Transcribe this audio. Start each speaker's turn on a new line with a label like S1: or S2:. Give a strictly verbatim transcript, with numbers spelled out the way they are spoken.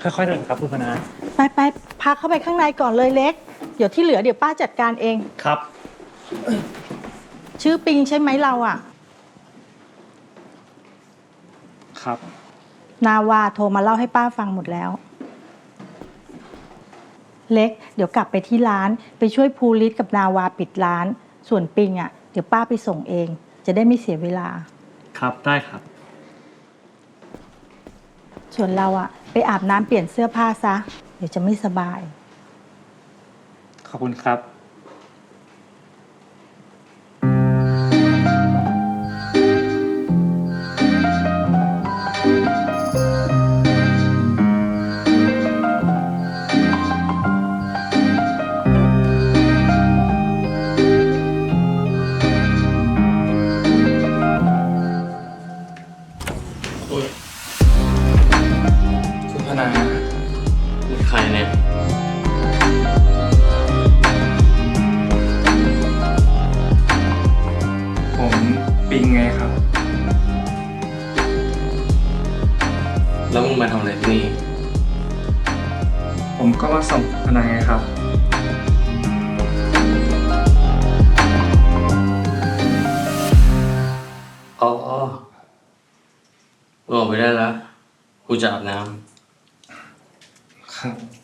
S1: ค่อยๆเดินครับคุณพนา
S2: ไปไปพาเข้าไปข้างในก่อนเลยเล็ก เดี๋ยวที่เหลือเดี๋ยวป้าจัดการเอง
S1: ครับ
S2: ชื่อปิงใช่ไหมเราอะ
S1: ครับ
S2: นาวาโทรมาเล่าให้ป้าฟังหมดแล้ว เล็ก เดี๋ยวกลับไปที่ร้านไปช่วยภูริศกับนาวาปิดร้าน ส่วนปิงอะเดี๋ยวป้าไปส่งเอง จะได้ไม่เสียเวลา
S1: ครับได้ครับ
S2: ส่วนเราอะไปอาบน้ำเปลี่ยนเสื้อผ้าซะ เดี๋ยวจะไม่สบาย
S1: ขอบคุณครับคุณพนามีใครเนี่ยผมปิงไงครับ
S3: แล้วมึงมาทำอะไรที่นี่
S1: ผมก็มาส่งพนาไงครับ
S3: อ๋อมึงออกไปได้แล้ว กูจะอาบน้ำ
S1: ครับ